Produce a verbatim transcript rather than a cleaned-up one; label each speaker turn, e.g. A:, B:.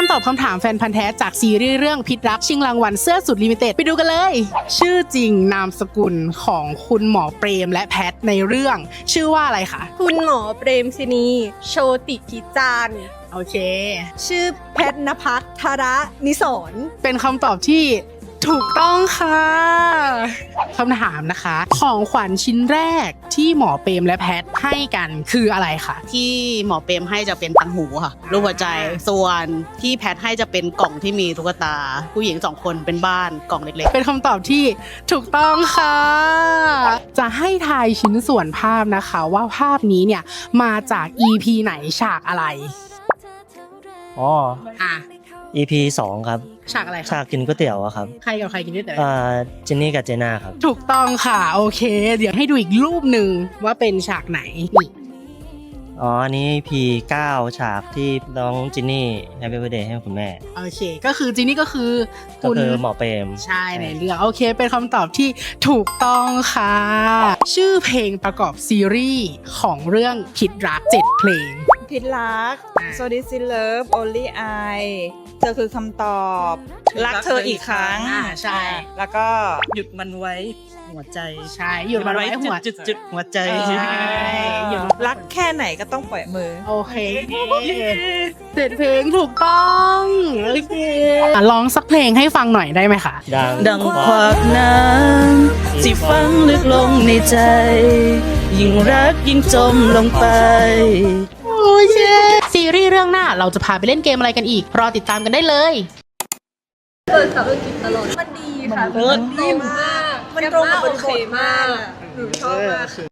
A: การตอบคำถามแฟนพันธ์แท้จากซีรีส์เรื่องพิษรักชิงรางวัลเสื้อสุดลิมิเต็ดไปดูกันเลย ชื่อจริงนามสกุลของคุณหมอเปรมและแพทในเรื่องชื่อว่าอะไรคะ
B: คุณหมอเปรมศินีโชติพิจารณ์
A: โอเค
B: ชื่อแพทณภัทรธระนิสรณ์
A: เป็นคำตอบที่ถูกต้องค่ะคำถามนะคะของขวัญชิ้นแรกที่หมอเปรมและแพทให้กันคืออะไรคะ
C: ที่หมอเปรมให้จะเป็นตังหูค่ะรูปหัวใจส่วนที่แพทให้จะเป็นกล่องที่มีตุ๊กตาผู้หญิงสองคนเป็นบ้านกล่องเล็กๆ
A: เป็นคำตอบที่ถูกต้องค่ะจะให้ทายชิ้นส่วนภาพนะคะว่าภาพนี้เนี่ยมาจาก อี พี ไหนฉากอะไร
D: อ๋อ
A: อ่ะ
D: อี พี สองครับ
A: ฉากอะไร
D: ฉากกินก๋วยเตี๋ยวอะครับ
A: ใครกับใครกินก๋วยเตี๋ยว
D: อ่าเจนนี่กับเจน่าครับ
A: ถูกต้องค่ะโอเคเดี๋ยวให้ดูอีกรูปหนึ่งว่าเป็นฉากไหนนี่
D: อ๋ออันนี้ อี พี เก้าฉากที่น้องจินนี่แฮปปี้เบิร์ธเดย์ให้คุณแม่
A: โอเคก็คือจินนี่ก็คือ
D: ก็คือหมอเปรม
A: ใช่ในเรื่องโอเคเป็นคำตอบที่ถูกต้องค่ะชื่อเพลงประกอบซีรีส์ของเรื่องพิษรักเจ็ดเพลง
E: พิษรัก So This Is Love Only I เธอคือคำตอบรักเธออีกครั้ง
A: ใช่
E: แล้วก็
C: หยุดมันไว้หัวใจ
A: ใช่หยุดมันไว้หัว
C: จุดๆหัวใจ
A: ใช่หยุด
E: รักแค่ไหนก็ต้องปล่อยมือ
A: โอเคเจ็ดเพลงถูกต้องโอเคร้องสักเพลงให้ฟังหน่อยได้ไหมคะ
D: ดัง
E: ดังควักน้ำที่ฝังลึกลงในใจยิ่งรักยิ่งจมลงไป
A: โอเคซีรีส์เรื่องหน้าเราจะพาไปเล่นเกมอะไรกันอีกรอติดตามกันได้เลย
B: เปิดขับอังกฤษตลอดมันดีค่ะมันดีมากมันตรงกับบทมากหนูชอบมาก